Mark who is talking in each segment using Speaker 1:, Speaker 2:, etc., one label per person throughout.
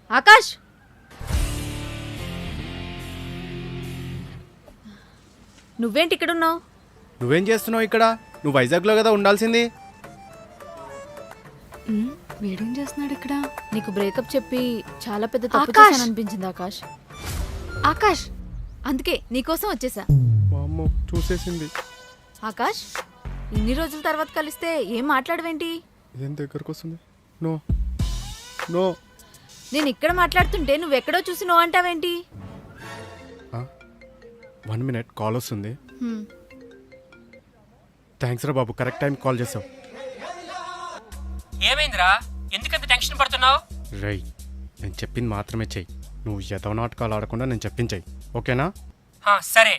Speaker 1: ఆకాష్, నువ్వేంటి ఇక్కడున్నావు?
Speaker 2: నువ్వేం చేస్తున్నావు ఇక్కడ? నువ్వు వైజాగ్లో కదా ఉండాల్సింది.
Speaker 3: వీడేం చేస్తున్నాడు ఇక్కడ?
Speaker 1: నీకు బ్రేకప్ చెప్పి చాలా పెద్ద తప్పు
Speaker 3: ఆకాష్!
Speaker 1: చేశాను అనిపించింది ఆకాష్.
Speaker 3: ఆకాష్,
Speaker 1: అందుకే నీకోసం వచ్చేసా.
Speaker 2: మా అమ్మ చూసేసింది.
Speaker 1: ఆకాష్, ఇన్ని రోజుల తర్వాత కలిస్తే ఏం మాట్లాడవేంటి?
Speaker 2: ఏం దగ్గరకు వస్తుంది? No no.
Speaker 1: నేను ఇక్కడ మాట్లాడుతుంటే నువ్వెక్కడో చూసి నో అంటావేంటి?
Speaker 2: 1 minute కాల్ వస్తుంది.
Speaker 1: హ్మ్.
Speaker 2: థ్యాంక్స్ రా బాబు, కరెక్ట్ టైం కాల్ చేసావు.
Speaker 4: ఏమైందిరా, ఎందుకంత టెన్షన్ పడుతున్నావు?
Speaker 2: రై, నేను చెప్పింది మాత్రమే చెయ్యి. నువ్వు ఎదవ నాటకాలు ఆడకుండా నేను చెప్పించాయి, ఓకేనా?
Speaker 4: సరే.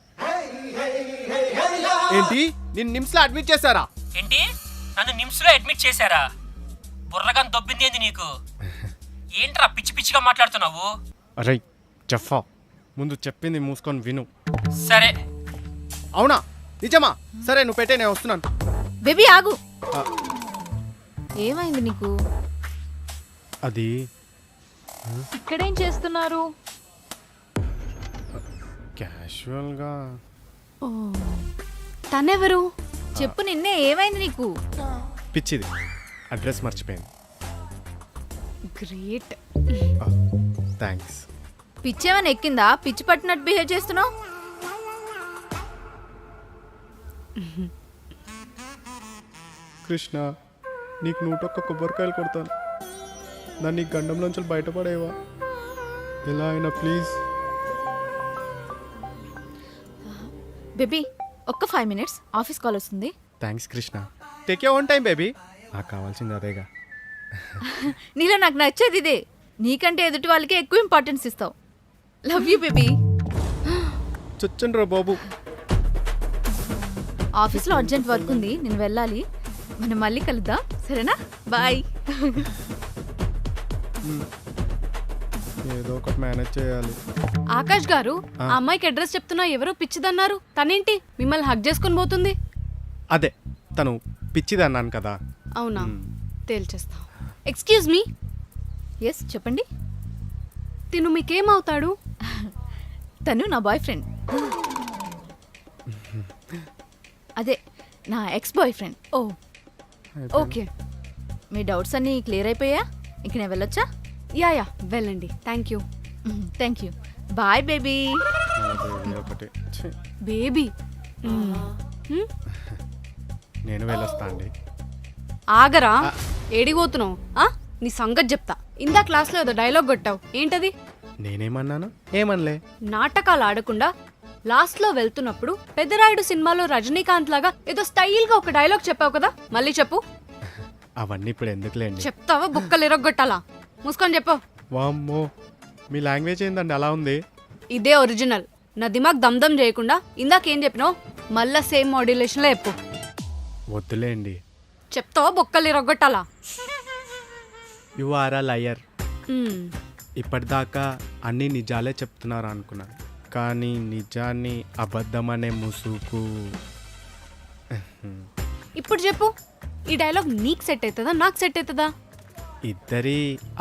Speaker 2: ఏంటి, నిన్ను నిమ్స్లో అడ్మిట్ చేశారా?
Speaker 4: ఏంటి, నన్ను నిమ్స్లో అడ్మిట్ చేశారా? బుర్రగా దొబ్బింది ఏంది నీకు? ఏంట్రా పిచ్చి పిచ్చిగా మాట్లాడుతున్నావు?
Speaker 2: రై జఫా, ముందు చెప్పింది మూసుకొని విను.
Speaker 4: సరే.
Speaker 2: అవునా, నిజమా? సరే నువ్వు పెట్టే, నేను వస్తున్నాను.
Speaker 1: బేబీ ఆగు.
Speaker 2: ఆ,
Speaker 1: ఏమైంది నీకు?
Speaker 2: అది
Speaker 3: ఇక్కడేం చేస్తున్నారు?
Speaker 2: క్యాషువల్గా.
Speaker 3: ఓ, తనెవరు?
Speaker 1: చెప్పు, నిన్నే ఏమైంది నీకు?
Speaker 2: పిచ్చిది, అడ్రస్ మర్చిపోయింది.
Speaker 3: గ్రేట్.
Speaker 2: థ్యాంక్స్.
Speaker 1: పిచ్చేమని ఎక్కిందా? పిచ్చి పట్టినట్టు బిహేవ్ చేస్తున్నావు.
Speaker 2: కృష్ణ, నీకు 101 కొబ్బరికాయలు కొడతాను. నన్ను ఈ గండంలోంచి బయటపడేవా? ఎలా అయినా ప్లీజ్.
Speaker 1: బేబీ, ఒక్క 5 minutes, ఆఫీస్ కాల్ వస్తుంది.
Speaker 2: Thanks Krishna. Take you own time baby. నాకు కావాల్సింది అదేగా.
Speaker 1: నీలో నాకు నచ్చేది ఇదే. నీకంటే ఎదుటి వాళ్ళకి ఎక్కువ ఇంపార్టెన్స్ ఇస్తావు. Love you baby.
Speaker 2: చచ్చండి రా బాబు.
Speaker 1: ఆఫీస్లో అర్జెంట్ వర్క్ ఉంది, నేను వెళ్ళాలి. మనం మళ్ళీ కలుద్దాం, సరేనా? బాయ్.
Speaker 2: ఏదో ఒకటి మేనేజ్ చేయాలి.
Speaker 3: ఆకాష్ గారు, ఆ అమ్మాయికి అడ్రస్ చెప్తున్నా ఎవరో పిచ్చిదన్నారు. తనేంటి మిమ్మల్ని హక్ చేసుకొని పోతుంది?
Speaker 2: అదే, తను పిచ్చిది అన్నాను కదా.
Speaker 3: అవునా, తేల్చేస్తా. Excuse me.
Speaker 1: ఎస్, చెప్పండి.
Speaker 3: తిను మీకేమవుతాడు?
Speaker 1: తను నా బాయ్ ఫ్రెండ్. అదే, నా ex boyfriend.
Speaker 3: Oh, okay.
Speaker 1: మీ డౌట్స్ అన్నీ క్లియర్ అయిపోయా? ఇంక నేను వెళ్ళొచ్చా?
Speaker 3: యా, వెళ్ళండి. Thank you.
Speaker 1: Thank you. Bye baby.
Speaker 2: ఒకటి
Speaker 3: బేబీ.
Speaker 2: నేను వెళ్ళొస్తా అండి.
Speaker 3: ఆగరా, ఏడిపోతున్నావు? నీ సంగతి చెప్తా. ఇందా క్లాస్లో ఏదో డైలాగ్ కొట్టావు, ఏంటది?
Speaker 2: నేనేమన్నాను? ఏమనలే.
Speaker 3: నాటకాలు ఆడకుండా లాస్ట్లో వెళ్తున్నప్పుడు పెద్దరాయుడు సినిమాలో రజనీకాంత్ లాగా ఏదో స్టైల్గా ఒక డైలాగ్ చెప్పావు కదా, మళ్ళీ చెప్పు.
Speaker 2: అవన్నీ ఇప్పుడు ఎందుకులేండి.
Speaker 3: చెప్తావా బుక్కలు ఇరగొట్టాలా? మూసుకొని చెప్పు.
Speaker 2: వామ్మో, మీ లాంగ్వేజ్ ఏందండి అలా ఉంది?
Speaker 3: ఇదే ఒరిజినల్. నా దిమాగ్ దమ్దమ్ చేయకుండా ఇందాకేం చెప్పినావు మళ్ళా సేమ్ మాడ్యులేషన్లో చెప్పు.
Speaker 2: వద్దులేండి.
Speaker 3: చెప్తావా బొక్కలు ఇరగొట్టాలా?
Speaker 2: You are a liar. ఇప్పటిదాకా అన్ని నిజాలే చెప్తున్నారు అనుకున్నాను, కానీ నిజాన్ని అబద్ధం అనే ముసుగు.
Speaker 3: ఇప్పుడు చెప్పు, ఈ డైలాగ్ నీకు సెట్ అవుతుందా నాకు సెట్ అవుతుందా?
Speaker 2: ఇద్దరి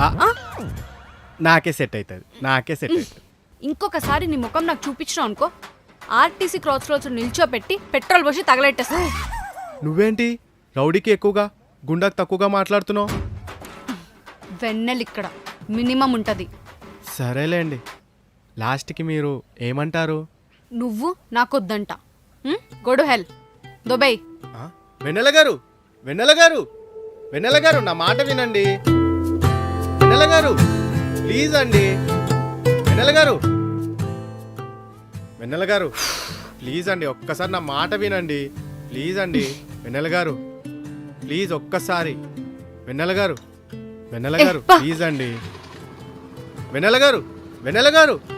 Speaker 2: నాకే సెట్ అవుతుంది, నాకే సెట్ అవుతుంది.
Speaker 3: ఇంకొకసారి నీ ముఖం నాకు చూపించినావు అనుకో, ఆర్టీసీ క్రాస్ రోడ్స్ నిల్చోపెట్టి పెట్రోల్ పోసి తగలెట్టేస్తా.
Speaker 2: నువ్వేంటి రౌడీకి ఎక్కువగా గుండాకి తక్కువగా మాట్లాడుతున్నావు?
Speaker 3: వెన్నెలు ఇక్కడ మినిమం ఉంటుంది.
Speaker 2: సరేలేండి, లాస్ట్కి మీరు ఏమంటారు?
Speaker 3: నువ్వు నాకొద్దంట. గొడు హెల్ దుబాయ్.
Speaker 2: వెన్నెల గారు, వెన్నెల గారు, వెన్నెల గారు, నా మాట వినండి. వెన్నెల గారు ప్లీజ్ అండి. వెన్నెల గారు, వెన్నెల గారు ప్లీజ్ అండి, ఒక్కసారి నా మాట వినండి ప్లీజ్ అండి. వెన్నెల గారు ప్లీజ్ ఒక్కసారి. వెన్నెల గారు, వెన్నెల గారు ప్లీజ్ అండి. వెన్నెల గారు, వెన్నెల గారు.